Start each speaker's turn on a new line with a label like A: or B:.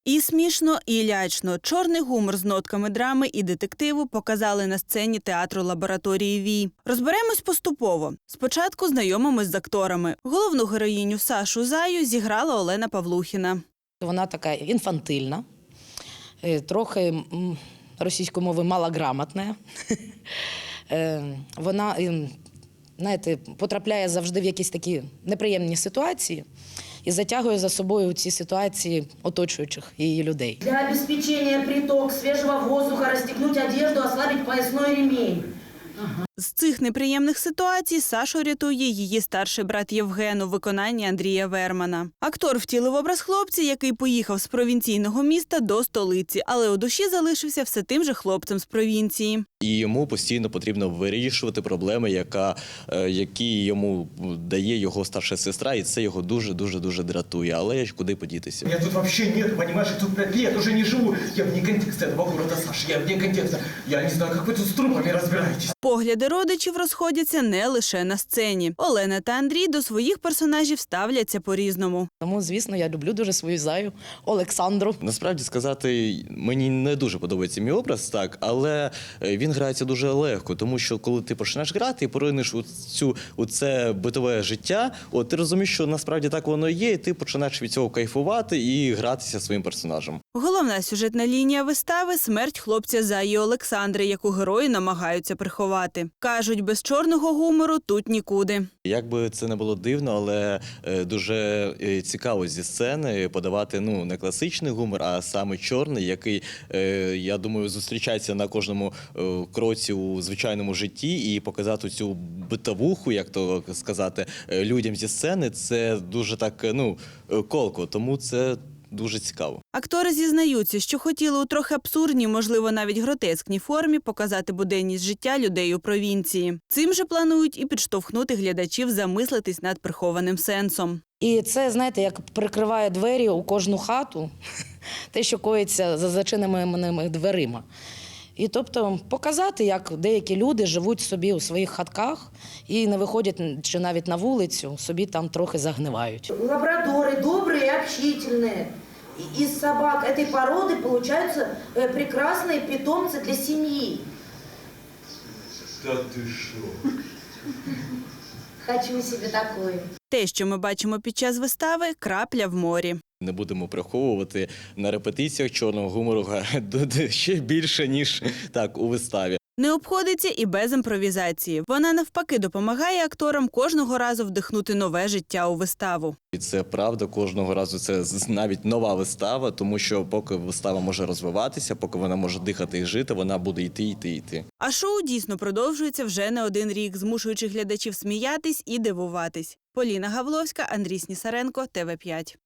A: І смішно, і лячно. Чорний гумор з нотками драми і детективу показали на сцені театру лабораторії Вій. Розберемось поступово. Спочатку знайомимось з акторами. Головну героїню Сашу Заю зіграла Олена Павлухіна.
B: Вона така інфантильна, трохи російською мовою малограмотна. Вона, знаєте, потрапляє завжди в якісь такі неприємні ситуації і затягує за собою ці ситуації оточуючих її людей.
C: Для обеспечения приток свежего воздуха расстегнуть одежду, ослабить поясной ремень.
A: З цих неприємних ситуацій Сашу рятує її старший брат Євген у виконанні Андрія Вермана. Актор втілив образ хлопця, який поїхав з провінційного міста до столиці, але у душі залишився все тим же хлопцем з провінції.
D: І йому постійно потрібно вирішувати проблеми, які йому дає його старша сестра, і це його дуже дратує. Але куди подітися?
E: Я тут вообще нет, понимаешь, я тут 5 лет уже не живу. Я вне контекста этого города, Саша, я вне контекста. Я не знаю, как вы тут с трупами разбираетесь.
A: Погляди родичів розходяться не лише на сцені. Олена та Андрій до своїх персонажів ставляться по-різному.
B: Тому, звісно, я люблю дуже свою Заю Олександру.
D: Насправді сказати, мені не дуже подобається мій образ, так, але він грається дуже легко, тому що коли ти починаєш грати і поринеш у це битове життя, ти розумієш, що насправді так воно є, і ти починаєш від цього кайфувати і гратися своїм персонажем.
A: Головна сюжетна лінія вистави – смерть хлопця Заї Олександри, яку герої намагаються приховати. Кажуть, без чорного гумору тут нікуди.
D: Як би це не було дивно, але дуже цікаво зі сцени подавати не класичний гумор, а саме чорний, який, я думаю, зустрічається на кожному кроці у звичайному житті, і показати цю битовуху, як то сказати, людям зі сцени, це дуже так, колко, тому це дуже цікаво.
A: Актори зізнаються, що хотіли у трохи абсурдній, можливо, навіть гротескній формі показати буденність життя людей у провінції. Цим же планують і підштовхнути глядачів замислитись над прихованим сенсом.
B: І це, знаєте, як прикриває двері у кожну хату, те, що коїться за зачиненими дверима. І тобто показати, як деякі люди живуть собі у своїх хатках і не виходять чи навіть на вулицю, собі там трохи загнивають.
C: Лабрадоры добрые и общительные. Из собак этой породы получаются прекрасные питомцы для семьи.
E: Да ты шо?
C: Хочу себе такое.
A: Те, що ми бачимо під час вистави – крапля в морі.
D: Не будемо приховувати, на репетиціях чорного гумору ще більше, ніж так у виставі.
A: Не обходиться і без імпровізації. Вона навпаки допомагає акторам кожного разу вдихнути нове життя у виставу.
D: І це правда, кожного разу це навіть нова вистава, тому що поки вистава може розвиватися, поки вона може дихати і жити, вона буде йти.
A: А шоу дійсно продовжується вже не один рік, змушуючи глядачів сміятись і дивуватись. Поліна Гавловська, Андрій Снісаренко, ТВ5.